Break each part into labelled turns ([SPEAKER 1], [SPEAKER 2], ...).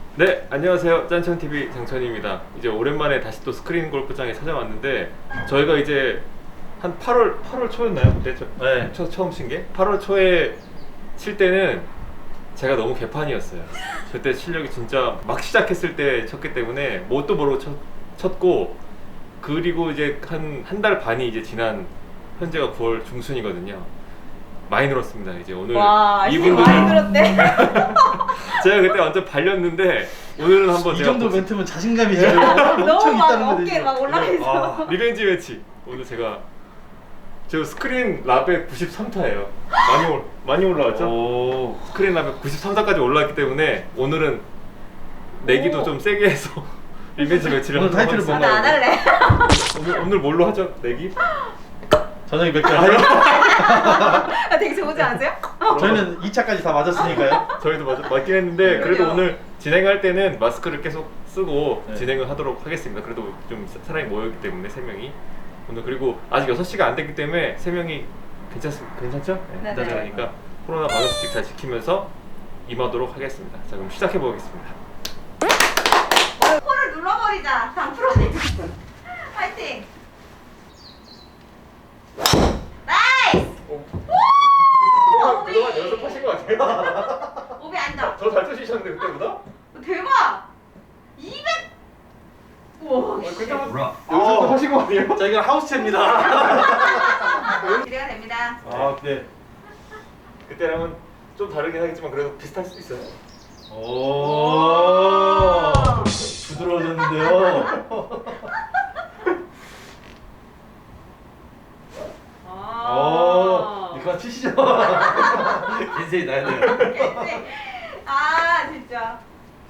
[SPEAKER 1] 네, 안녕하세요. 짠천TV 장천입니다. 이제 오랜만에 다시 또 스크린 골프장에 찾아왔는데 저희가 이제 한 8월 초였나요? 그때
[SPEAKER 2] 네.
[SPEAKER 1] 처음 친 게? 8월 초에 칠 때는 제가 너무 개판이었어요. 그때 실력이 진짜 막 시작했을 때 쳤기 때문에 뭣도 모르고 쳤고, 그리고 이제 한 달 반이 이제 지난 현재가 9월 중순이거든요. 많이 늘었습니다. 이제 오늘
[SPEAKER 3] 와,
[SPEAKER 1] 이분들은
[SPEAKER 3] 많이 늘었대.
[SPEAKER 1] 제가 그때 완전 발렸는데 오늘은 한번
[SPEAKER 2] 이
[SPEAKER 1] 제가
[SPEAKER 2] 정도 멘트면 자신감이죠.
[SPEAKER 3] 너무
[SPEAKER 2] 엄청
[SPEAKER 3] 막
[SPEAKER 2] 있다는 거죠.
[SPEAKER 3] 어깨 막 올라가 있어.
[SPEAKER 1] 리벤지 매치. 오늘 제가 저 스크린 라벨 93타예요. 많이 올라왔죠?
[SPEAKER 2] 오.
[SPEAKER 1] 스크린 라벨 93타까지 올라왔기 때문에 오늘은 내기도
[SPEAKER 3] 오.
[SPEAKER 1] 좀 세게 해서 리벤지 매치를
[SPEAKER 2] 오늘
[SPEAKER 1] 하도록
[SPEAKER 2] 타이틀을
[SPEAKER 1] 하겠습니다.
[SPEAKER 3] 나 안 할래.
[SPEAKER 1] 오늘 뭘로 하죠? 내기?
[SPEAKER 2] 저녁에 몇 개 하세요?
[SPEAKER 3] 아, 되게 좋지 않으세요?
[SPEAKER 2] 저희는 2차까지 다 맞았으니까요.
[SPEAKER 1] 저희도 맞긴 했는데 그래도
[SPEAKER 3] 그럼요.
[SPEAKER 1] 오늘 진행할 때는 마스크를 계속 쓰고
[SPEAKER 2] 네.
[SPEAKER 1] 진행을 하도록 하겠습니다. 그래도 좀 사람이 모였기 때문에 3명이 오늘, 그리고 아직 6시가 안 됐기 때문에 3명이 괜찮죠?
[SPEAKER 3] 네네.
[SPEAKER 1] 그러니까 코로나 방역 수칙 잘 지키면서 임하도록 하겠습니다. 자, 그럼 시작해 보겠습니다.
[SPEAKER 3] 코를 눌러버리자. 다 풀어내자. 파이팅. 나이스.
[SPEAKER 1] 그동안 연습하신 거 같아요?
[SPEAKER 3] 오비 앉아.
[SPEAKER 1] 더 잘 치셨는데 그때보다?
[SPEAKER 3] 대박. 200. 우와.
[SPEAKER 1] 그때보다 연습도 하신 거 아니에요?
[SPEAKER 2] 자, 이건 하우스채입니다.
[SPEAKER 3] 기대가 됩니다.
[SPEAKER 2] 아, 네.
[SPEAKER 1] 그때랑은 좀 다르긴 하겠지만 그래도 비슷할 수도 있어요.
[SPEAKER 2] 오. 부드러워졌는데요. 오. 이거 치시죠. 인생이 나야 돼요.
[SPEAKER 3] 아, 진짜.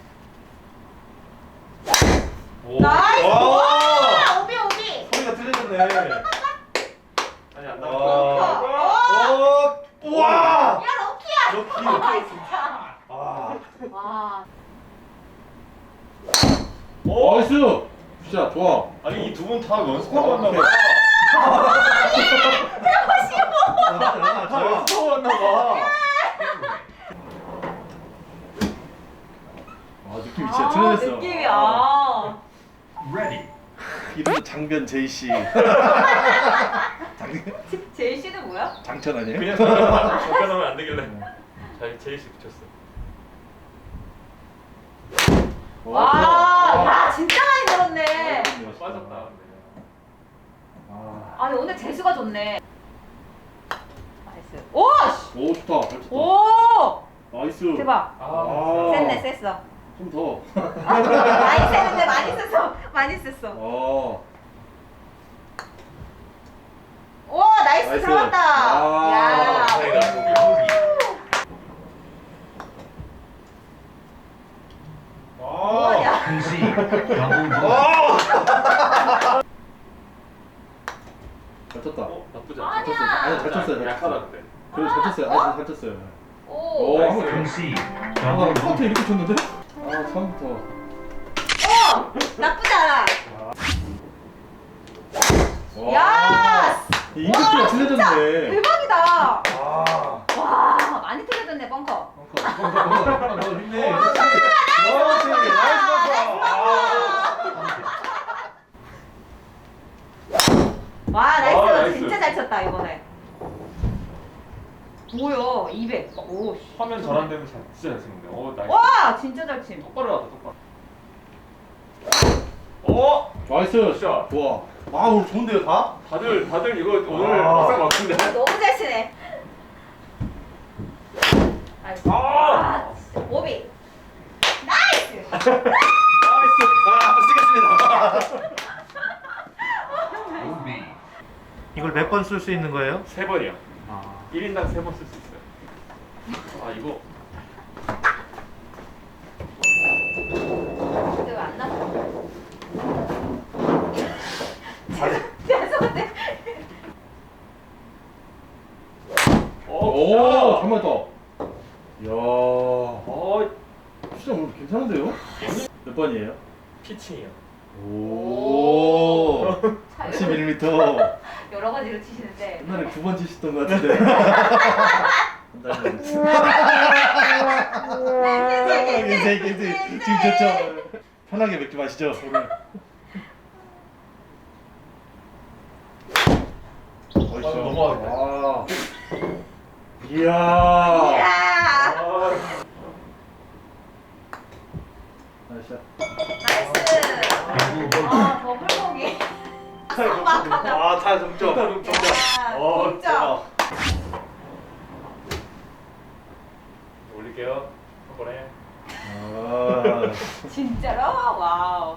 [SPEAKER 2] 오.
[SPEAKER 3] 나이스.
[SPEAKER 2] 와.
[SPEAKER 3] 와, 오비 오비.
[SPEAKER 2] 소리가 틀려졌네.
[SPEAKER 1] 아니, 안
[SPEAKER 2] 와.
[SPEAKER 1] 나와.
[SPEAKER 2] 오. 와.
[SPEAKER 3] 야, 럭키야.
[SPEAKER 2] 럭키.
[SPEAKER 3] 아, 진짜.
[SPEAKER 2] 아.
[SPEAKER 3] 와.
[SPEAKER 2] 나이스. 진짜 좋아.
[SPEAKER 1] 아니, 이 두 분 다 연습하고 왔나 봐. 다 연습하고 왔나 봐.
[SPEAKER 2] 아, 느낌이 진짜 틀려졌어.
[SPEAKER 3] 느낌이야.
[SPEAKER 2] 이름도 장변 제이씨.
[SPEAKER 3] 제이 씨는 뭐야?
[SPEAKER 2] 장천 아니에요?
[SPEAKER 1] 그냥 접근하면 안 되길래 잘 제이씨 붙였어.
[SPEAKER 3] 와, 야, 진짜 많이 늘었네.
[SPEAKER 1] 빠졌다.
[SPEAKER 2] 아.
[SPEAKER 3] 아니, 오늘 재수가 좋네. 나이스. 오! 씨!
[SPEAKER 2] 오, 좋다. 잘 쳤다.
[SPEAKER 3] 오!
[SPEAKER 2] 나이스.
[SPEAKER 3] 대박.
[SPEAKER 2] 아.
[SPEAKER 3] 셌네, 셌어.
[SPEAKER 2] 좀 더.
[SPEAKER 3] 많이 셌는데 많이 셌어. 많이 셌어.
[SPEAKER 2] 어.
[SPEAKER 3] 오, 나이스,
[SPEAKER 2] 나이스.
[SPEAKER 3] 들어갔다.
[SPEAKER 2] 아,
[SPEAKER 3] 야.
[SPEAKER 1] 다행이다.
[SPEAKER 3] 오, 야.
[SPEAKER 2] 잘 쳤다.
[SPEAKER 1] 나쁘지
[SPEAKER 3] 아니야.
[SPEAKER 1] 않다.
[SPEAKER 2] 아니, 잘 쳤어요. 잘
[SPEAKER 1] 약하다
[SPEAKER 2] 쳤어요.
[SPEAKER 1] 근데.
[SPEAKER 2] 그래도 잘 쳤어요. 아니, 잘 쳤어요.
[SPEAKER 3] 오.
[SPEAKER 2] 오,
[SPEAKER 1] 나이스.
[SPEAKER 2] 아, 처음부터 이렇게 쳤는데? 아, 처음부터.
[SPEAKER 3] 오! 나쁘지 않아.
[SPEAKER 2] 와.
[SPEAKER 3] 야!
[SPEAKER 2] 이 임팩트가 틀려졌네.
[SPEAKER 3] 대박이다.
[SPEAKER 2] 아.
[SPEAKER 3] 와, 많이 틀려졌네, 벙커.
[SPEAKER 2] 너 힘내. 그렇지. 나이스
[SPEAKER 3] 와, 나이스.
[SPEAKER 1] 와, 나이스.
[SPEAKER 3] 진짜 잘 쳤다, 이번에. 뭐야, 200. 오, 씨.
[SPEAKER 1] 화면 전환되면 진짜 잘 쓰는데. 오, 나이스.
[SPEAKER 3] 와, 진짜 잘 침.
[SPEAKER 1] 똑바로 나왔다, 똑바로. 오!
[SPEAKER 2] 나이스.
[SPEAKER 1] 샷.
[SPEAKER 2] 좋아. 아, 오늘 좋은데요, 다?
[SPEAKER 1] 다들 이거 오늘
[SPEAKER 2] 아.
[SPEAKER 1] 막상 막힌데.
[SPEAKER 3] 너무 잘 치네. 나이스.
[SPEAKER 1] 아!
[SPEAKER 3] 아, 진짜. 오비. 나이스.
[SPEAKER 2] 나이스. 아, 쓰겠습니다. 이걸 몇 번 쓸 수 있는 거예요?
[SPEAKER 1] 3번이요.
[SPEAKER 2] 아.
[SPEAKER 1] 1인당 3번 쓸 수 있어요. 아, 이거.
[SPEAKER 3] 근데 왜안 나와? 죄송한데.
[SPEAKER 2] 오, 정말 더. 이야.
[SPEAKER 1] 어,
[SPEAKER 2] 진짜 오늘 괜찮은데요? 몇 번이에요?
[SPEAKER 1] 피칭이요.
[SPEAKER 2] 오. 81m.
[SPEAKER 3] 여러 가지로 치시는데.
[SPEAKER 2] 옛날에 9번 치셨던 것 같은데. 괜찮. 지금 좋죠. 편하게 맥주 마시죠. 오늘.
[SPEAKER 1] 넘어가겠다.
[SPEAKER 2] 아. 이야.
[SPEAKER 3] 이야.
[SPEAKER 2] 나이스.
[SPEAKER 3] 나이스. 아, 더블mog이.
[SPEAKER 2] 아, 다 동점. 동점.
[SPEAKER 3] 동점.
[SPEAKER 1] 올릴게요. 한 번에.
[SPEAKER 2] 아.
[SPEAKER 3] 진짜로? 와우.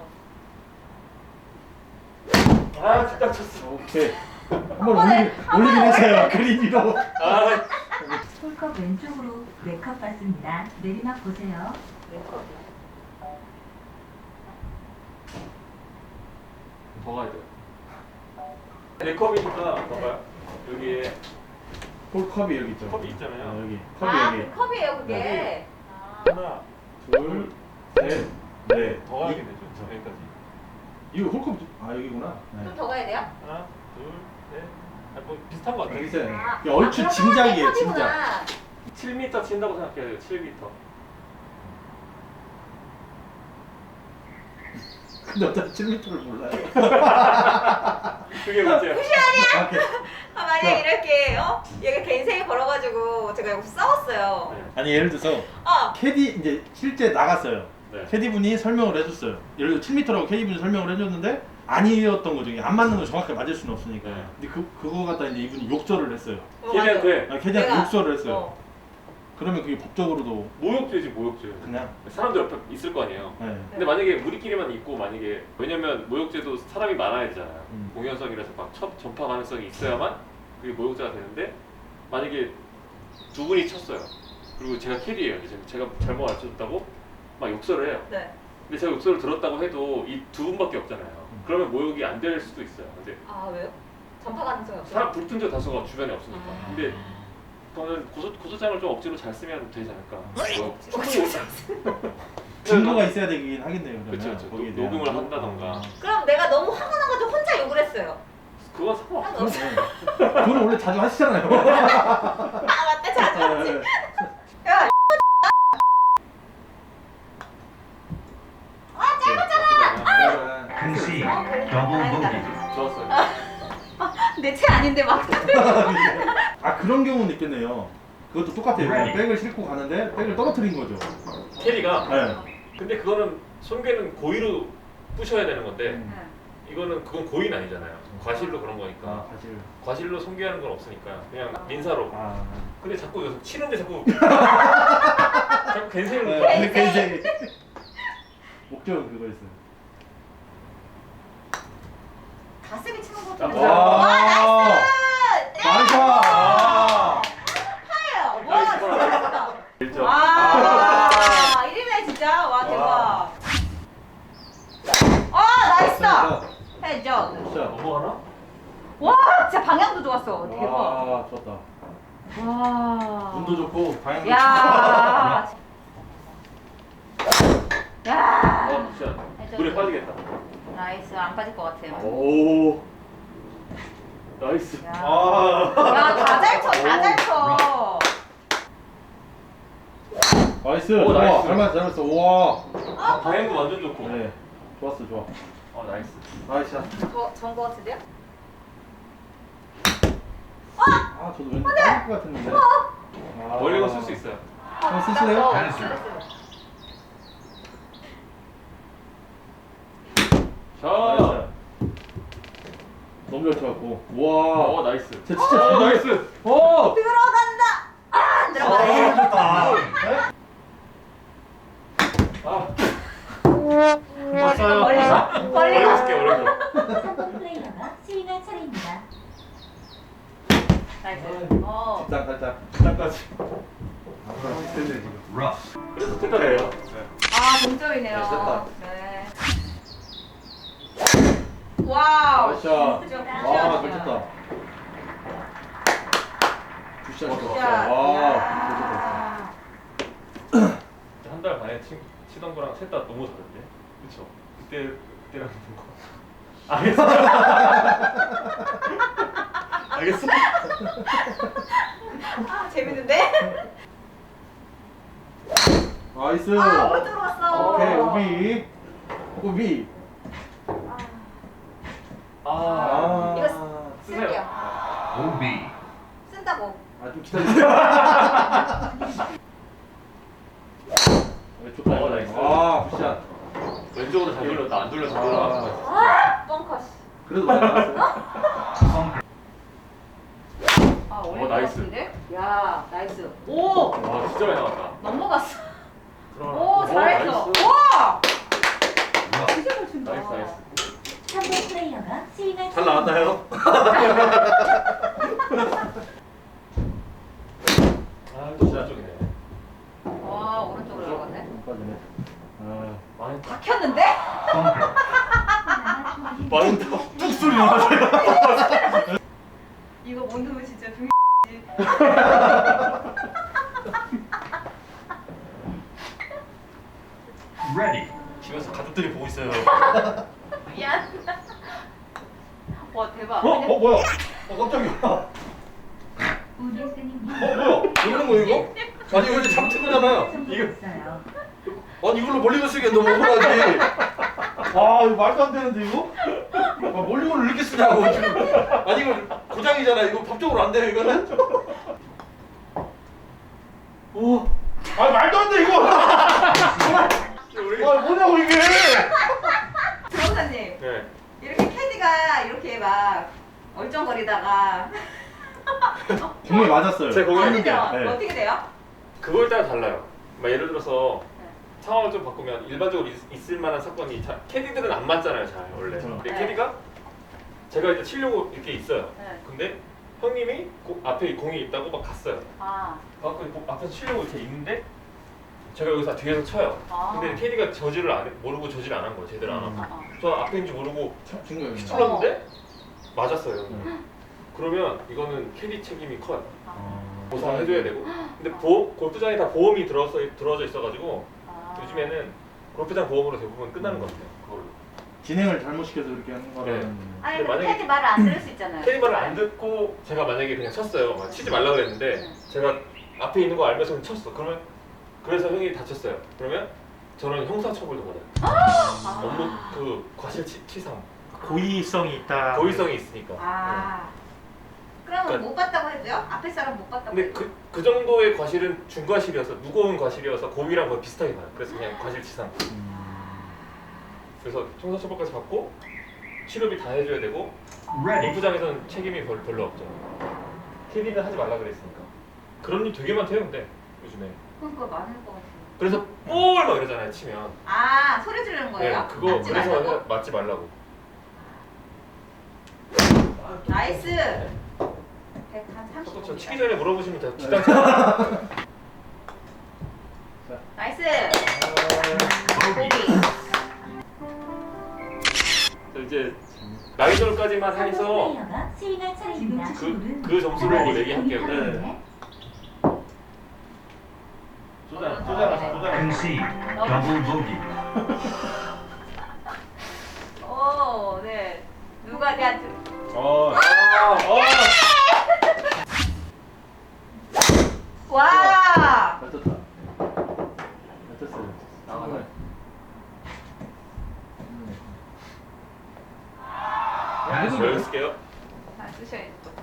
[SPEAKER 1] 아, 진짜 쳤어.
[SPEAKER 2] 오케이. 한번 올리긴 했어요. 그린 위로.
[SPEAKER 1] 아,
[SPEAKER 4] 홀컵 왼쪽으로 4컵 받습니다. 내리막 보세요.
[SPEAKER 1] 더 가야 돼요. 네 컵이니까 봐봐요. 여기에
[SPEAKER 2] 홀컵이 여기 있죠.
[SPEAKER 1] 컵이 있잖아요.
[SPEAKER 2] 아, 여기. 컵이
[SPEAKER 3] 아,
[SPEAKER 2] 여기.
[SPEAKER 3] 그 컵이에요, 그게.
[SPEAKER 1] 네.
[SPEAKER 3] 아.
[SPEAKER 1] 하나,
[SPEAKER 2] 둘, 셋, 넷.
[SPEAKER 1] 더 가게 되죠. 여기까지.
[SPEAKER 2] 이거 홀컵. 아, 여기구나. 네.
[SPEAKER 3] 좀 더 가야 돼요?
[SPEAKER 1] 하나, 둘, 셋. 아, 뭐 비슷한 것 같아요.
[SPEAKER 2] 여기 있어요.
[SPEAKER 3] 아,
[SPEAKER 2] 이게 얼추
[SPEAKER 3] 그럼
[SPEAKER 2] 짐작이에요,
[SPEAKER 3] 하나의
[SPEAKER 2] 짐작.
[SPEAKER 3] 컵이구나.
[SPEAKER 1] 7m 친다고 생각해야 돼요. 7m.
[SPEAKER 2] 근데 어차피 7m를 몰라요.
[SPEAKER 1] 그게 문제야.
[SPEAKER 2] 아, 오케이.
[SPEAKER 3] 아, 만약에 이렇게, 얘가 개인생일 걸어가지고 제가 여기서 싸웠어요.
[SPEAKER 1] 네.
[SPEAKER 2] 아니 예를 들어서
[SPEAKER 3] 어.
[SPEAKER 2] 캐디 이제 실제 나갔어요.
[SPEAKER 1] 네.
[SPEAKER 2] 캐디분이 설명을 해줬어요. 예를 들어 7m라고 캐디분이 설명을 해줬는데 아니었던 거죠. 이게 안 맞는 거 정확하게 맞을 수는 없으니까.
[SPEAKER 1] 네.
[SPEAKER 2] 근데 그거 갖다 이제 이분이 욕설을 했어요.
[SPEAKER 1] 걔네한테
[SPEAKER 2] 아, 캐디한테
[SPEAKER 3] 내가-
[SPEAKER 2] 욕설을 했어요.
[SPEAKER 3] 어.
[SPEAKER 2] 그러면 그게 법적으로도
[SPEAKER 1] 모욕죄지 모욕죄.
[SPEAKER 2] 그냥.
[SPEAKER 1] 사람들 옆에 있을 거 아니에요.
[SPEAKER 2] 네.
[SPEAKER 1] 근데 만약에 우리끼리만 있고 만약에 왜냐면 모욕죄도 사람이 많아야 되잖아요. 공연성이라서 막 첫 전파 가능성이 있어야만 그게 모욕죄가 되는데 만약에 두 분이 쳤어요. 그리고 제가 캐리예요. 이제 제가 잘못 알려줬다고 막 욕설을 해요.
[SPEAKER 3] 네.
[SPEAKER 1] 근데 제가 욕설을 들었다고 해도 이 두 분밖에 없잖아요. 그러면 모욕이 안 될 수도 있어요. 근데
[SPEAKER 3] 아, 왜요? 전파 가능성이 없어요?
[SPEAKER 1] 사람 불순자 다수가 주변에 없으니까.
[SPEAKER 3] 아.
[SPEAKER 1] 근데 저는 고소장을 좀 억지로 잘 쓰면 되지 않을까. 뭐,
[SPEAKER 2] 증거가 있어야 되긴 하겠네요. 그러면.
[SPEAKER 1] 그쵸, 그쵸.
[SPEAKER 2] 거기에 대한.
[SPEAKER 1] 녹음을 한다던가.
[SPEAKER 3] 그럼 내가 너무 화가 나가지고 혼자 욕을 했어요.
[SPEAKER 1] 그건 상관없어.
[SPEAKER 3] 상관없어.
[SPEAKER 2] 그건 원래 자주 하시잖아요.
[SPEAKER 3] 아, 맞다. 자주 하지. 야,
[SPEAKER 5] 근시
[SPEAKER 3] 그래.
[SPEAKER 5] 더블
[SPEAKER 3] 다행이다.
[SPEAKER 5] 보기.
[SPEAKER 1] 좋았어요.
[SPEAKER 3] 내 체 아닌데 막.
[SPEAKER 2] 아 그런 경우는 있겠네요. 그것도 똑같아요. 그냥 백을 싣고 가는데 백을 떨어뜨린 거죠.
[SPEAKER 1] 캐리가.
[SPEAKER 2] 네.
[SPEAKER 1] 근데 그거는 손괴는 고의로 부셔야 되는 건데
[SPEAKER 2] 음.
[SPEAKER 1] 이거는 그건 고의는 아니잖아요. 과실로 그런 거니까.
[SPEAKER 2] 아 사실.
[SPEAKER 1] 과실로 손괴하는 건 없으니까 그냥 민사로.
[SPEAKER 2] 아.
[SPEAKER 1] 근데 자꾸 여기서 치는데 자꾸 자꾸 갠생을 놓고.
[SPEAKER 2] 네, 굉장히 목적은 그거였어요.
[SPEAKER 3] 가슴이 치는 것
[SPEAKER 1] 아,
[SPEAKER 3] 같은데.
[SPEAKER 1] 와.
[SPEAKER 2] 나이스! 아.
[SPEAKER 3] 하예요. 와,
[SPEAKER 1] 나이스.
[SPEAKER 3] 진짜 멋있다.
[SPEAKER 1] 1점.
[SPEAKER 3] 와, 1위네 진짜. 와, 대박. 나이스다. 해줘.
[SPEAKER 2] 진짜.
[SPEAKER 1] 넘어가나?
[SPEAKER 3] 와, 진짜 방향도 좋았어. 대박.
[SPEAKER 2] 와, 좋았다.
[SPEAKER 3] 와.
[SPEAKER 2] 운도 좋고 방향도
[SPEAKER 3] 야. 야.
[SPEAKER 1] 진짜 물에 빠지겠다.
[SPEAKER 3] 나이스. 안 빠질 것 같아요.
[SPEAKER 2] 오.
[SPEAKER 1] 나이스.
[SPEAKER 3] 야.
[SPEAKER 2] 아.
[SPEAKER 3] 야, 다 잘 쳐. 다 잘 쳐.
[SPEAKER 2] 나이스.
[SPEAKER 1] 오,
[SPEAKER 2] 와,
[SPEAKER 1] 나이스.
[SPEAKER 2] 잘 맞았어. 와.
[SPEAKER 1] 방향도 완전 좋고.
[SPEAKER 2] 네. 좋았어, 좋아.
[SPEAKER 1] 나이스.
[SPEAKER 2] 나이스.
[SPEAKER 3] 전거 같은데요?
[SPEAKER 2] 아, 저도 왠지 빠질 것 같았는데. 아.
[SPEAKER 1] 멀리건 쓸 수 있어요.
[SPEAKER 2] 한번 쓰실래요?
[SPEAKER 1] 자.
[SPEAKER 2] 나이스. 너무 잘 쳐갖고. 와.
[SPEAKER 1] 나이스.
[SPEAKER 2] 진짜 잘
[SPEAKER 1] 나이스.
[SPEAKER 3] 들어간다. 안 들어가네.
[SPEAKER 2] 좋다.
[SPEAKER 1] 왔어요.
[SPEAKER 3] 멀리가.
[SPEAKER 1] 쓸게 멀리서.
[SPEAKER 4] 플레이어가 스윙할 차례입니다.
[SPEAKER 3] 나이스.
[SPEAKER 2] 뒷땅 살짝. 뒷땅까지. 아, 그럼 비슷했네, 지금.
[SPEAKER 5] 러프.
[SPEAKER 1] 그래서 됐다네요.
[SPEAKER 3] 아, 동점이네요.
[SPEAKER 2] 네, 됐다.
[SPEAKER 3] 네. 와우.
[SPEAKER 2] 나이스.
[SPEAKER 3] 굿샷.
[SPEAKER 2] 와, 잘 쳤다. 굿샷
[SPEAKER 3] 굿샷.
[SPEAKER 2] 좋았어. 와, 잘 쳤다.
[SPEAKER 3] 야.
[SPEAKER 1] 한 달 반에 치던 거랑 셋 다 너무 다른데? 그쵸? 그때랑 거. 알겠어. 알겠어.
[SPEAKER 3] 아, 재밌 재밌는데?
[SPEAKER 2] 나이스.
[SPEAKER 3] 아, 오른쪽으로 갔어.
[SPEAKER 2] 오케이, 오비. 오비.
[SPEAKER 1] 아,
[SPEAKER 3] 이거
[SPEAKER 1] 쓰세요.
[SPEAKER 3] 쓸게요.
[SPEAKER 5] 오비.
[SPEAKER 3] 쓴다고.
[SPEAKER 2] 좀 기다려주세요. 좋다.
[SPEAKER 1] 나이스.
[SPEAKER 2] 아, 굿샷.
[SPEAKER 1] 왼쪽으로 잘 돌렸다. 안 돌려서 돌아갔어.
[SPEAKER 3] 아, 뻥커. 씨.
[SPEAKER 2] 그래도 많이 나왔어요.
[SPEAKER 3] 아, 어려운 것
[SPEAKER 1] 나이스.
[SPEAKER 3] 같은데? 야, 나이스. 오!
[SPEAKER 1] 와, 진짜 많이 나왔다.
[SPEAKER 3] 넘어갔어.
[SPEAKER 1] 들어가.
[SPEAKER 3] 오, 잘했어.
[SPEAKER 1] 나이스.
[SPEAKER 3] 와! 진짜 잘 친다.
[SPEAKER 1] 나이스, 나이스.
[SPEAKER 4] 상대 플레이어가 스윙을
[SPEAKER 2] 잘 나왔나요?
[SPEAKER 1] 아, 또 오른쪽이네.
[SPEAKER 3] 와, 오른쪽으로 들어갔네.
[SPEAKER 2] 빠지네. 아,
[SPEAKER 1] 많이
[SPEAKER 3] 박혔는데?
[SPEAKER 1] 많다.
[SPEAKER 2] 뚝 소리 나왔어요.
[SPEAKER 3] 이거 못 넣으면 진짜 중
[SPEAKER 5] Ready.
[SPEAKER 1] 집에서 가족들이 보고 있어요.
[SPEAKER 3] 미안. 와, 대박.
[SPEAKER 2] 뭐야? 깜짝이야.
[SPEAKER 4] 우리스님
[SPEAKER 2] 뭐야? 이러는 거 이거? 아니 이거 이제 잡힌 거잖아요.
[SPEAKER 4] 이거 있어요.
[SPEAKER 2] 아니 이걸로 멀리건 쓰기엔 너무 억울하지. 아 이거 말도 안 되는데 이거? 아, 멀리건을 이렇게 쓰냐고 지금. 아니 이거 고장이잖아. 이거 법적으로 안 돼요 이거는? 오. 아 말도 안 돼 이거. 아 뭐냐고 이게.
[SPEAKER 3] 변호사님,
[SPEAKER 1] 네.
[SPEAKER 3] 이렇게 캐디가 이렇게 막 얼쩡거리다가
[SPEAKER 2] 분명히 맞았어요.
[SPEAKER 1] 제 공이
[SPEAKER 3] 아니죠?
[SPEAKER 2] 네.
[SPEAKER 3] 어떻게 돼요?
[SPEAKER 1] 그거에 따라 달라요. 막 예를 들어서
[SPEAKER 3] 네.
[SPEAKER 1] 상황을 좀 바꾸면 일반적으로 있을 만한 사건이 캐디들은 안 맞잖아요, 잘 원래.
[SPEAKER 2] 그렇죠.
[SPEAKER 1] 근데
[SPEAKER 3] 네.
[SPEAKER 1] 캐디가 제가 이제 치려고 이렇게 있어요.
[SPEAKER 3] 네.
[SPEAKER 1] 근데 형님이 앞에 공이 있다고 막 갔어요.
[SPEAKER 3] 아,
[SPEAKER 1] 갖고 앞에서 치려고 이렇게 있는데 제가 여기서 뒤에서 쳐요.
[SPEAKER 3] 아.
[SPEAKER 1] 근데 캐디가 저지를 안 해, 모르고 저지를 안 한 거예요, 제대로 안 하고. 저 앞에인지 모르고
[SPEAKER 2] 증거요.
[SPEAKER 1] 찔렀는데 맞았어요. 그러면 이거는 캐디 책임이 커요. 보상을 해줘야 되고. 근데 골프장에 다 보험이 들어져 있어가지고 요즘에는 골프장 보험으로 대부분 끝나는 것 같아요. 그걸로.
[SPEAKER 2] 진행을 잘못 시켜서 이렇게 하는 거라는.
[SPEAKER 3] 아니,
[SPEAKER 1] 근데
[SPEAKER 3] 근데
[SPEAKER 1] 만약에-
[SPEAKER 3] 캐디 말을 안 들을 수 있잖아요.
[SPEAKER 1] 캐디 말을 안 듣고 제가 만약에 그냥 쳤어요. 막 치지 말라 그랬는데 제가 앞에 있는 거 알면서 그냥 쳤어. 그러면 그래서 형이 다쳤어요. 그러면 저는 형사처벌도 받아요. 업무 그 과실치상
[SPEAKER 2] 고의성이 있다.
[SPEAKER 1] 고의성이 있으니까.
[SPEAKER 3] 아. 그러면
[SPEAKER 1] 그러니까-
[SPEAKER 3] 못 봤다고 해도요? 앞에 사람 못 봤다고
[SPEAKER 1] 근데
[SPEAKER 3] 해도?
[SPEAKER 1] 그 정도의 과실은 중과실이어서 무거운 과실이어서 고의랑 거의 비슷하게 봐요. 그래서 그냥 과실치상. 그래서 형사처벌까지 받고 치료비 다 해줘야 되고
[SPEAKER 5] Ready.
[SPEAKER 1] 골프장에서는 책임이 별로 없죠. 캐디는 하지 말라 그랬으니까. 그런 일 되게 많대요, 근데 요즘에.
[SPEAKER 3] 그거 많을 것 같아요.
[SPEAKER 1] 그래서 볼 막 이러잖아요, 치면.
[SPEAKER 3] 아, 소리 지르는 거예요?
[SPEAKER 1] 네, 그거
[SPEAKER 3] 맞지
[SPEAKER 1] 그래서
[SPEAKER 3] 말라고?
[SPEAKER 1] 맞지 말라고.
[SPEAKER 3] 나이스.
[SPEAKER 1] 네.
[SPEAKER 3] 135.
[SPEAKER 1] 저 치기 전에 물어보시면 다 뒷땅 쳐요.
[SPEAKER 3] 나이스.
[SPEAKER 1] 아.
[SPEAKER 3] 고기.
[SPEAKER 1] 저 이제 나이돌까지만
[SPEAKER 4] 상대
[SPEAKER 1] 해서
[SPEAKER 4] 플레이어가 스윙할 차례입니다.
[SPEAKER 1] 그 점수로 얘기할게요.
[SPEAKER 2] 네.
[SPEAKER 5] Concede. Double bogey.
[SPEAKER 3] 오, 네. 누가 대한테 와!
[SPEAKER 2] 잘 쳤다. 잘 쳤어요. 나가네.
[SPEAKER 1] 여기 쓸게요.
[SPEAKER 3] 잘 쓰셔야죠.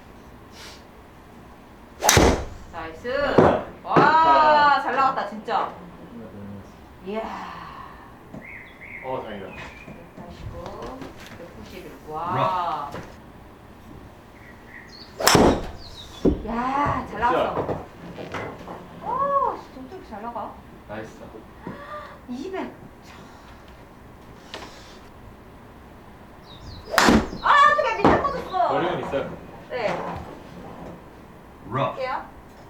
[SPEAKER 3] 나이스. 와, 잘 나갔다, 진짜. 이야.
[SPEAKER 1] 다행이다.
[SPEAKER 3] 189, 191. 와. 야, 잘 나갔어. 오, 진짜 어떻게 잘 나가?
[SPEAKER 1] 나이스.
[SPEAKER 3] 200. 아, 어떻게 밑에 꽂았어?
[SPEAKER 1] 어려운 있어요.
[SPEAKER 3] 네.
[SPEAKER 5] Rough.
[SPEAKER 3] 할게요.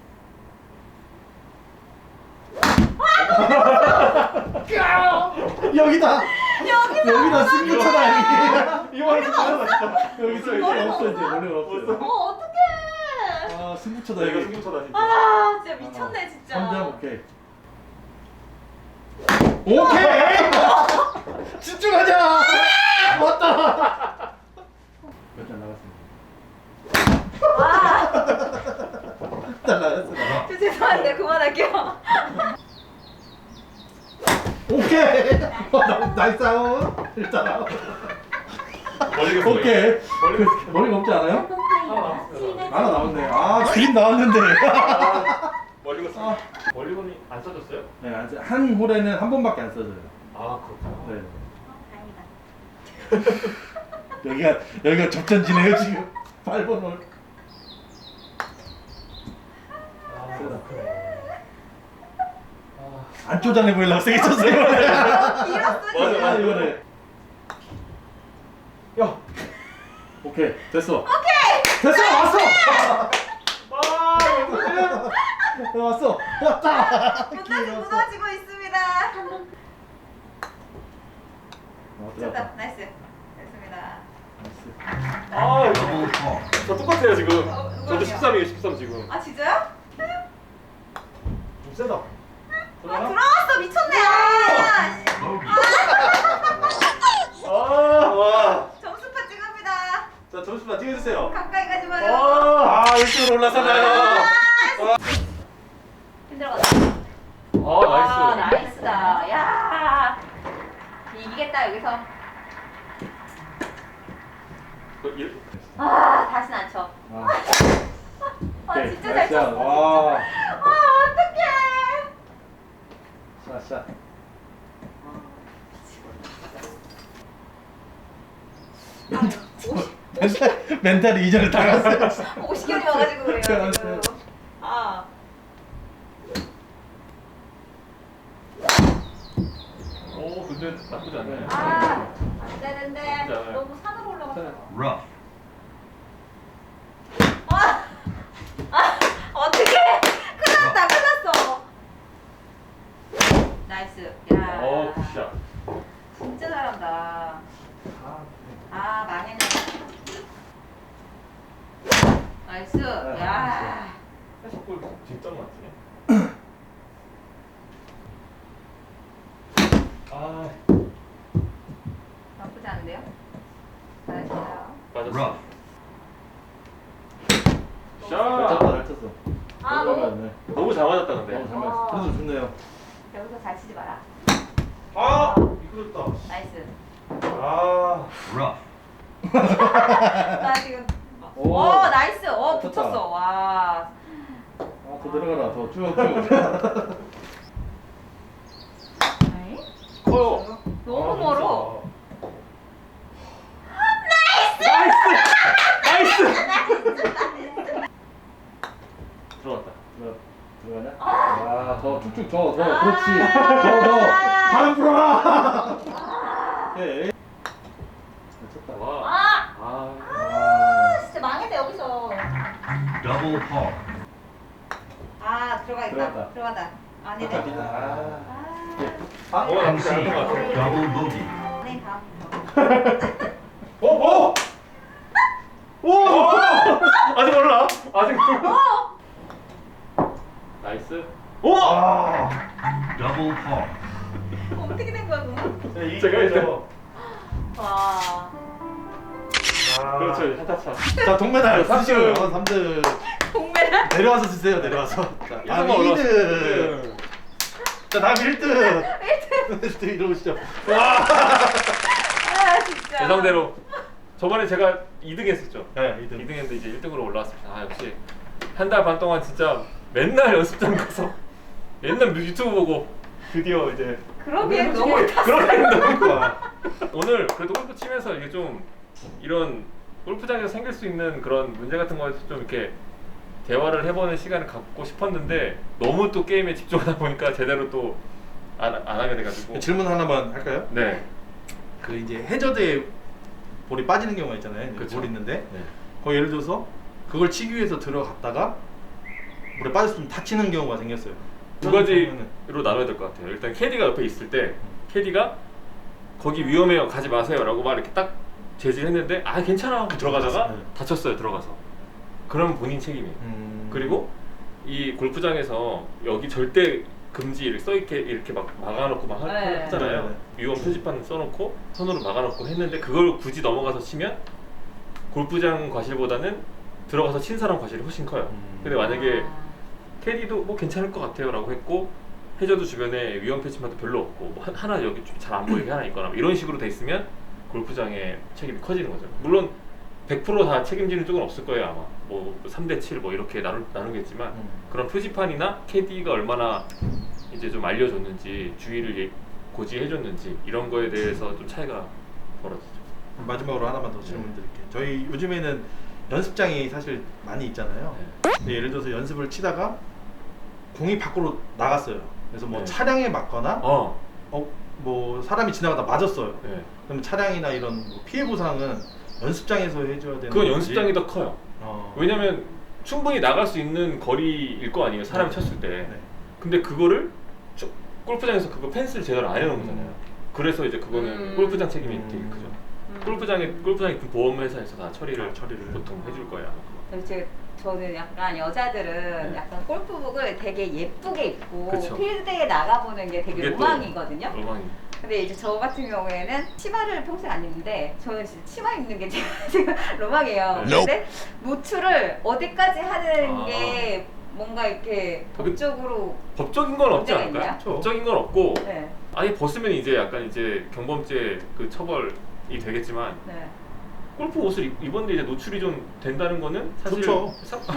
[SPEAKER 2] 여기다. 여기다
[SPEAKER 1] 이거
[SPEAKER 2] 승부처다 여기.
[SPEAKER 1] 이거 하나
[SPEAKER 2] 여기 있어 이제 없어 이제 원래 없어요.
[SPEAKER 3] 어떡해.
[SPEAKER 2] 아 승부처다
[SPEAKER 1] 내가
[SPEAKER 2] 여기.
[SPEAKER 1] 승부처다 진짜.
[SPEAKER 3] 아, 진짜 미쳤네, 진짜.
[SPEAKER 2] 3점 오케이. 오케이. 집중하자. 왔다. 몇 점 나갔습니다.
[SPEAKER 3] 와.
[SPEAKER 2] 잘라냈어.
[SPEAKER 3] 저 죄송한데 그만할게요.
[SPEAKER 2] 오케이. 나이스 아웃. 일단
[SPEAKER 1] 멀리 갔어.
[SPEAKER 2] 오케이.
[SPEAKER 1] 멀리
[SPEAKER 2] 머리가 없지 않아요?
[SPEAKER 4] 컴파일러
[SPEAKER 2] 하나 나왔네. 아 그림 나왔는데.
[SPEAKER 1] 멀리 갔어. 멀리건이 안 써졌어요?
[SPEAKER 2] 네, 한 홀에는 한 번밖에 안 써져요.
[SPEAKER 1] 아 그렇구나.
[SPEAKER 2] 네. 여기가 접전지네요 지금. 8번 홀. 안 쪼잔해 보이려고 세게 쳤어요.
[SPEAKER 3] 길었어
[SPEAKER 1] 맞아.
[SPEAKER 2] 이번에. 야. 오케이 됐어. 오케이. 됐어 왔어. 왔어. 왔다.
[SPEAKER 3] 무너지고 있습니다. 됐다. 나이스. 됐습니다.
[SPEAKER 1] 아
[SPEAKER 5] Double par.
[SPEAKER 1] 저 똑같아요 지금.
[SPEAKER 3] 이거는요?
[SPEAKER 1] 저도 13이에요 13 지금.
[SPEAKER 3] 아 진짜요?
[SPEAKER 2] 좀 세다.
[SPEAKER 3] 아 들어왔어 미쳤네. 아,
[SPEAKER 5] Bogey.
[SPEAKER 2] 와.
[SPEAKER 3] 점수판 찍읍니다.
[SPEAKER 2] 자 점수만 찍어주세요.
[SPEAKER 3] 가까이 가지 마요.
[SPEAKER 2] 아 1등으로 올라서나요.
[SPEAKER 3] 힘들어갔다.
[SPEAKER 1] 아 나이스.
[SPEAKER 3] 나이스다. 야 이기겠다 여기서. 아 다신 안 쳐. 아 진짜 잘 쳤어.
[SPEAKER 2] 와.
[SPEAKER 3] 아 어떡해.
[SPEAKER 2] 샷. 멘탈이 이전에 당했어요.
[SPEAKER 3] 50견이 와가지고 그래요 지금. 아.
[SPEAKER 1] 오 근데 나쁘지 않네.
[SPEAKER 3] 아, 안 되는데
[SPEAKER 1] 진짜.
[SPEAKER 3] 너무 산으로 올라갔어.
[SPEAKER 5] Rough.
[SPEAKER 3] 어떡해! 큰일 났다, 큰일 났어. 나이스. 야.
[SPEAKER 1] 오 굿샷.
[SPEAKER 3] 진짜 잘한다. 아, 망했네. 나이스. 야.
[SPEAKER 1] 해석골 진짜 많지. 아
[SPEAKER 3] 나쁘지 않은데요? 나이스.
[SPEAKER 1] 맞았어.
[SPEAKER 5] Rough.
[SPEAKER 1] 샷.
[SPEAKER 2] 잘 쳤어.
[SPEAKER 3] 아, 너무
[SPEAKER 1] 너무 잘 맞았다 근데.
[SPEAKER 2] 너무 잘 맞았어. 그래도 좋네요.
[SPEAKER 3] 여기서 잘 치지 마라.
[SPEAKER 2] 아 미끄럽다.
[SPEAKER 3] 나이스.
[SPEAKER 2] 아.
[SPEAKER 5] Rough.
[SPEAKER 3] 나 지금.
[SPEAKER 2] 오.
[SPEAKER 3] 오, 나이스.
[SPEAKER 2] 좋다.
[SPEAKER 3] 붙였어. 와.
[SPEAKER 2] 더 내려가라. 더 쭉.
[SPEAKER 3] 에이?
[SPEAKER 1] 커요.
[SPEAKER 3] 너무 멀어.
[SPEAKER 1] 들어갔다.
[SPEAKER 2] 들어가냐? 아, 더 쭉쭉 더 그렇지.
[SPEAKER 3] 아.
[SPEAKER 2] 더 바람 불어라. 오케이. 잘 쳤다.
[SPEAKER 1] 와.
[SPEAKER 3] 아!
[SPEAKER 1] 아.
[SPEAKER 3] 아, 진짜 망했다, 여기서.
[SPEAKER 5] Double par.
[SPEAKER 3] 아, 들어가겠다.
[SPEAKER 2] 들어갔다.
[SPEAKER 3] 들어가다. 아니네.
[SPEAKER 2] 아.
[SPEAKER 3] 아,
[SPEAKER 1] 오 나쁘지 않은 것 같아.
[SPEAKER 5] Double bogey.
[SPEAKER 3] 네, 다음.
[SPEAKER 1] 오! 오! 오! 아직 몰라. 아직 몰라. 나이스. 오!
[SPEAKER 2] 아.
[SPEAKER 5] Double par.
[SPEAKER 3] 어떻게 된 거야, 그럼?
[SPEAKER 1] 제가 일단.
[SPEAKER 3] 와.
[SPEAKER 1] 그렇죠. 차차차.
[SPEAKER 2] 자, 동메달 쓰시고요. 3등.
[SPEAKER 3] 동메달?
[SPEAKER 2] 내려와서 주세요. 내려와서. 자, 다음
[SPEAKER 1] 1등만
[SPEAKER 2] 2등. 자, 다음 1등. 1등 이러시죠. 와.
[SPEAKER 3] 아, 진짜.
[SPEAKER 1] 예상대로 저번에 제가 2등 했었죠.
[SPEAKER 2] 네, 2등.
[SPEAKER 1] 2등 했는데 이제 1등으로 올라왔습니다. 아 역시 한 달 반 동안 진짜 맨날 연습장 가서 맨날 유튜브 보고 드디어 이제
[SPEAKER 3] 그러기엔 너무
[SPEAKER 1] 그렇게 너무 좋아. 오늘 그래도 골프 치면서 이게 좀 이런 골프장에서 생길 수 있는 그런 문제 같은 거에서 좀 이렇게 대화를 해보는 시간을 갖고 싶었는데 너무 또 게임에 집중하다 보니까 제대로 또 안 하게 돼가지고.
[SPEAKER 2] 질문 하나만 할까요?
[SPEAKER 1] 네.
[SPEAKER 2] 그 이제 해저드에 볼이 빠지는 경우가 있잖아요. 이제
[SPEAKER 1] 그쵸.
[SPEAKER 2] 볼이 있는데
[SPEAKER 1] 네.
[SPEAKER 2] 거 예를 들어서 그걸 치기 위해서 들어갔다가 물에 빠져서 좀 다치는 경우가 생겼어요.
[SPEAKER 1] 두 가지로 나눠야 될 것 같아요. 일단 캐디가 옆에 있을 때 캐디가 거기 위험해요 가지 마세요라고 막 이렇게 딱 제지를 했는데 아 괜찮아 하고 들어가다가
[SPEAKER 2] 네.
[SPEAKER 1] 다쳤어요 들어가서. 그럼 본인 책임이에요. 그리고 이 골프장에서 여기 절대 금지 이렇게 써있게 이렇게 막 막아놓고 막
[SPEAKER 3] 네.
[SPEAKER 1] 하잖아요.
[SPEAKER 2] 네, 네.
[SPEAKER 1] 위험 표지판 써놓고 손으로 막아놓고 했는데 그걸 굳이 넘어가서 치면 골프장 과실보다는 들어가서 친 사람 과실이 훨씬 커요. 근데 만약에 캐디도 뭐 괜찮을 것 같아요라고 했고 해저드 주변에 위험 패치마도 별로 없고 뭐 하나 여기 좀 잘 안 보이게 하나 있거나 뭐 이런 식으로 돼 있으면 골프장의 책임이 커지는 거죠. 물론 100%다 책임지는 쪽은 없을 거예요 아마. 뭐 3대7 뭐 이렇게 나누겠지만 그런 표지판이나 캐디가 얼마나 이제 좀 알려줬는지 주의를 고지해줬는지 이런 거에 대해서 좀 차이가 벌어지죠.
[SPEAKER 2] 마지막으로 하나만 더 질문 드릴게요. 저희 요즘에는 연습장이 사실 많이 있잖아요. 근데 예를 들어서 연습을 치다가 공이 밖으로 나갔어요. 그래서 뭐
[SPEAKER 1] 네.
[SPEAKER 2] 차량에 맞거나 뭐 사람이 지나가다 맞았어요.
[SPEAKER 1] 네.
[SPEAKER 2] 그럼 차량이나 이런 뭐 피해 보상은 연습장에서 해줘야 되는
[SPEAKER 1] 그건
[SPEAKER 2] 건지?
[SPEAKER 1] 연습장이 더 커요. 왜냐면 충분히 나갈 수 있는 거리일 거 아니에요 사람이 쳤을 때.
[SPEAKER 2] 네.
[SPEAKER 1] 근데 그거를 골프장에서 그거 펜스를 제대로 안 해놓은 거잖아요. 그래서 이제 그거는 골프장 책임이 되게 크죠. 골프장에 그 보험회사에서 다 처리를 보통 해줄 거예요.
[SPEAKER 3] 저는 약간 여자들은
[SPEAKER 1] 네.
[SPEAKER 3] 약간 골프복을 되게 예쁘게 입고
[SPEAKER 1] 그쵸.
[SPEAKER 3] 필드에 나가보는 게 되게
[SPEAKER 1] 그게 또
[SPEAKER 3] 로망이거든요.
[SPEAKER 1] 로망이.
[SPEAKER 3] 근데 이제 저 같은 경우에는 치마를 평소에 안 입는데 저는 진짜 치마 입는 게 지금 로망이에요.
[SPEAKER 1] 네.
[SPEAKER 3] 근데 노출을 어디까지 하는
[SPEAKER 1] 아.
[SPEAKER 3] 게 뭔가 이렇게 법적으로
[SPEAKER 1] 법적인 건 없지
[SPEAKER 3] 문제가
[SPEAKER 1] 않을까요?
[SPEAKER 3] 있나요?
[SPEAKER 1] 법적인 건 없고
[SPEAKER 3] 네.
[SPEAKER 1] 아예 벗으면 이제 약간 이제 경범죄 그 처벌이 되겠지만
[SPEAKER 3] 네.
[SPEAKER 1] 골프 옷을 입었는데 이제 노출이 좀 된다는 거는 사실
[SPEAKER 2] 좋죠.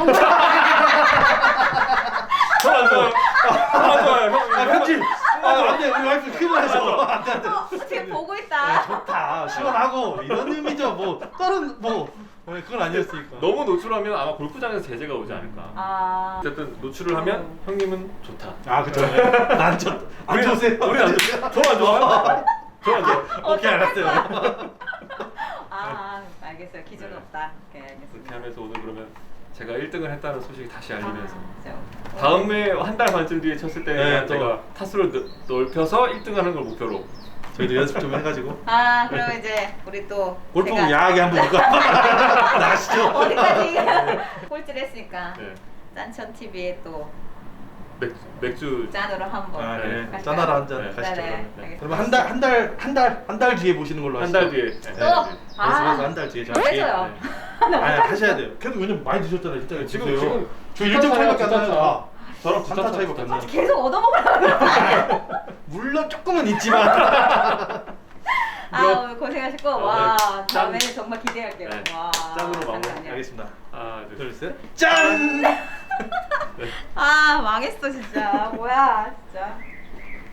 [SPEAKER 1] 전안 좋아요. 전안 좋아요. 형.
[SPEAKER 2] 편집! 안돼 우리 와이프 큰일 나죠. 안돼
[SPEAKER 3] 지금 보고 있다.
[SPEAKER 2] 좋다 시원하고 이런 의미죠. 뭐 다른 뭐 그건 아니었으니까.
[SPEAKER 1] 너무 노출하면 아마 골프장에서 제재가 오지 않을까.
[SPEAKER 3] 아.
[SPEAKER 1] 어쨌든 노출을 하면 형님은 좋다.
[SPEAKER 2] 아 그쵸. 난 안 좋으세요?
[SPEAKER 1] 우리 안 좋아. 저안 좋아요. 저안 좋아.
[SPEAKER 2] 오케이 알았어요.
[SPEAKER 3] 아, 알겠어요. 기준은 없다. 오케이, 알겠습니다.
[SPEAKER 1] 그렇게 하면서 오늘 그러면 제가 1등을 했다는 소식 다시 알리면서
[SPEAKER 3] 그렇죠.
[SPEAKER 1] 다음에 한 달 반쯤 뒤에 쳤을 때
[SPEAKER 2] 네,
[SPEAKER 1] 제가 타수를 넓혀서 1등하는 걸 목표로.
[SPEAKER 2] 저희도 연습 좀 해가지고
[SPEAKER 3] 아, 그럼 이제 우리 또
[SPEAKER 2] 골프
[SPEAKER 3] 제가
[SPEAKER 2] 야하게 한번 이거 나가시죠.
[SPEAKER 3] 어디까지 꼴찌를 했으니까
[SPEAKER 1] 네.
[SPEAKER 3] 짠천 TV에 또
[SPEAKER 1] 맥주
[SPEAKER 3] 짠으로 한번.
[SPEAKER 2] 아, 네.
[SPEAKER 3] 갈까요?
[SPEAKER 2] 짠하러 한잔
[SPEAKER 1] 네.
[SPEAKER 2] 가시죠.
[SPEAKER 3] 네네.
[SPEAKER 2] 그러면.
[SPEAKER 3] 알겠습니다.
[SPEAKER 2] 그러면 한 달 뒤에 보시는 걸로
[SPEAKER 1] 한
[SPEAKER 2] 하시죠.
[SPEAKER 1] 달 뒤에.
[SPEAKER 3] 또? 아.
[SPEAKER 2] 연습해서 한 달 뒤에
[SPEAKER 3] 좀 해줘요.
[SPEAKER 2] 아니 하셔야 돼요. 계속 왜냐면 많이 드셨잖아요. 진짜
[SPEAKER 1] 지금
[SPEAKER 2] 저 1점 차이밖에 안 나요. 아,
[SPEAKER 1] 저랑
[SPEAKER 2] 한타 차이밖에 안 나요.
[SPEAKER 3] 계속 얻어먹으려고 그러네.
[SPEAKER 2] 물론 조금은 있지만
[SPEAKER 3] 아, 오늘 고생하셨고 와 다음에는 정말 기대할게요.
[SPEAKER 1] 네.
[SPEAKER 3] 와.
[SPEAKER 1] 짠으로 마무리.
[SPEAKER 3] 잠깐만요.
[SPEAKER 2] 알겠습니다.
[SPEAKER 1] 하나, 둘, 셋.
[SPEAKER 2] 둘 셋. 짠.
[SPEAKER 3] 아 망했어 진짜. 뭐야 진짜.